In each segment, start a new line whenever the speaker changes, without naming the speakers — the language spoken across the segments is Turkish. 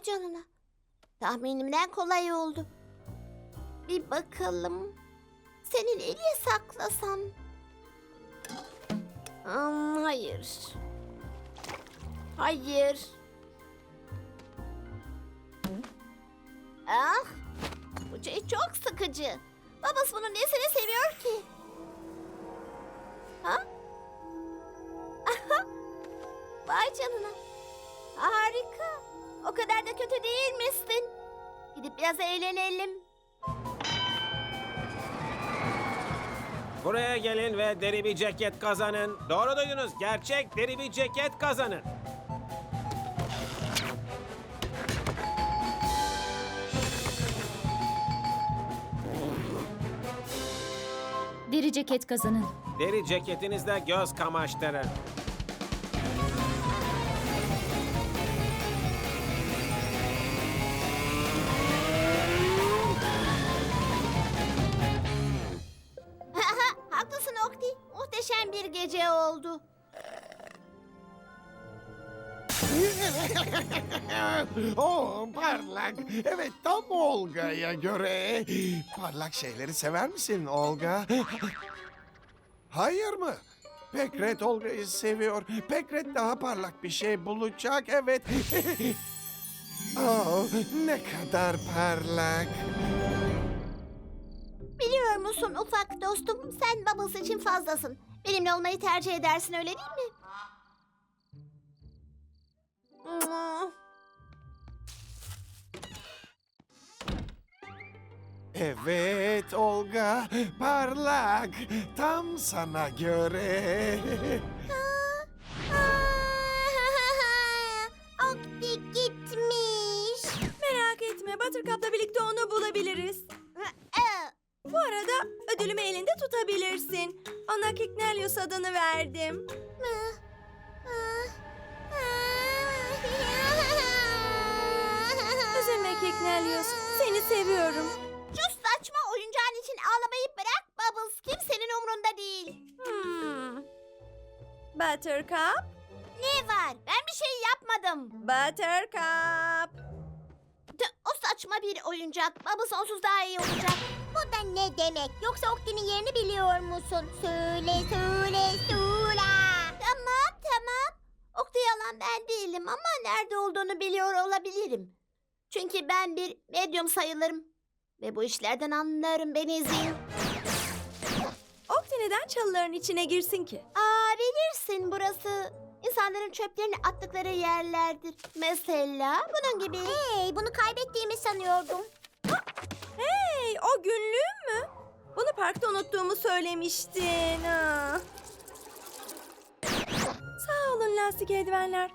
Vay canına. Tahminimden kolay oldu. Bir bakalım. Seni nereye saklasam? Hayır. Hayır. Ah, bu şey çok sıkıcı. Babası bunun nesini seviyor ki? Ha? Vay canına. Harika. O kadar da kötü değil misin? Gidip biraz eğlenelim.
Buraya gelin ve deri bir ceket kazanın. Doğru duydunuz. Gerçek deri bir ceket kazanın.
Deri ceket kazanın.
Deri ceketinizde göz kamaştırın.
Haklısın Okti. Muhteşem bir gece oldu.
Oh parlak. Evet tam Olga'ya göre. Parlak şeyleri sever misin Olga? Hayır mı? Pekret Olga'yı seviyor. Pekret daha parlak bir şey bulacak. Evet. Oh ne kadar parlak.
Biliyor musun ufak dostum, sen Bubbles için fazlasın. Benimle olmayı tercih edersin, öyle değil mi?
Evet Olga parlak. Tam sana göre.
Okti gitmiş.
Merak etme, Buttercup'la birlikte onu bulabiliriz. Bu arada ödülümü elinde tutabilirsin. Ona Kicknelius adını verdim. Üzülme Kicknelius, seni seviyorum.
Şu saçma oyuncağın için ağlamayı bırak Bubbles. Kimsenin umrunda değil.
Buttercup,
Ne var? Ben bir şey yapmadım.
Buttercup.
O saçma bir oyuncak. Bubbles onsuz daha iyi olacak. Bu da ne demek? Yoksa Okti'nin yerini biliyor musun? Söyle. Tamam. Okti yalan ben değilim ama nerede olduğunu biliyor olabilirim. Çünkü ben bir medyum sayılırım. Ve bu işlerden anlarım, beni izleyin.
Okti neden çalıların içine girsin ki?
Bilirsin burası insanların çöplerini attıkları yerlerdir. Mesela bunun gibi. Hey, bunu kaybettiğimi sanıyordum.
Hey, o günlüğüm mü? Bunu parkta unuttuğumu söylemiştin. Ha. Sağ olun lastik eldivenler.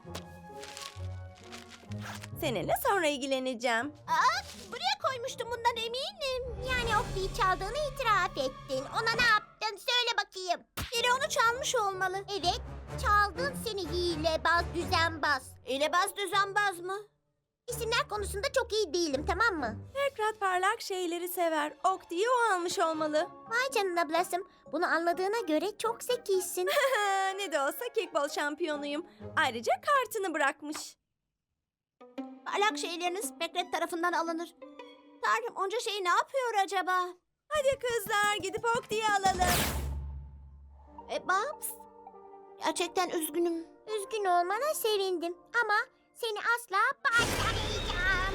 Seninle sonra ilgileneceğim.
Buraya koymuştum, bundan eminim. Yani Okti'yi çaldığını itiraf ettin. Ona ne yaptın? Söyle bakayım. Biri onu çalmış olmalı. Evet, çaldın seni hilebaz, düzenbaz. Hilebaz, düzenbaz mı? İsimler konusunda çok iyi değilim, tamam mı?
Tekrar parlak şeyleri sever. Okti'yi o almış olmalı.
Vay canına Blossom. Bunu anladığına göre çok zekisin.
Ne de olsa kickball şampiyonuyum. Ayrıca kartını bırakmış.
Parlak şeyleriniz Pekret tarafından alınır. Tanrım, onca şeyi ne yapıyor acaba?
Hadi kızlar gidip Okti'yi alalım.
Babs, gerçekten üzgünüm. Üzgün olmana sevindim ama seni asla parçalayacağım.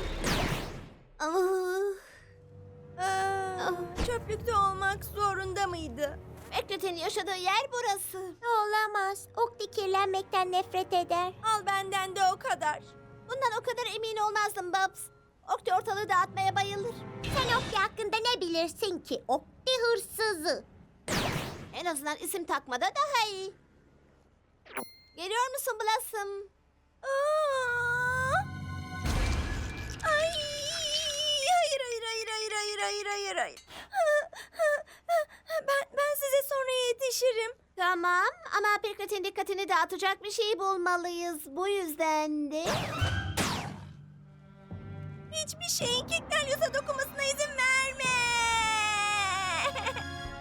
Çöplükte olmak zorunda mıydı?
Pekret'in yaşadığı yer burası. Olamaz. Okti kirlenmekten nefret eder.
Al benden de o kadar.
Bundan o kadar emin olmazdım Babs. Okti ortalığı dağıtmaya bayılır. Sen Okti hakkında ne bilirsin ki? Okti hırsızı. En azından isim takmada daha iyi. Geliyor musun Blossom?
Ay! Hayır. Ben size sonra yetişirim.
Tamam ama Pekret'in dikkatini dağıtacak bir şey bulmalıyız. Bu yüzden de...
Hiçbir şeyin Kicknelius'a dokunmasına izin verme.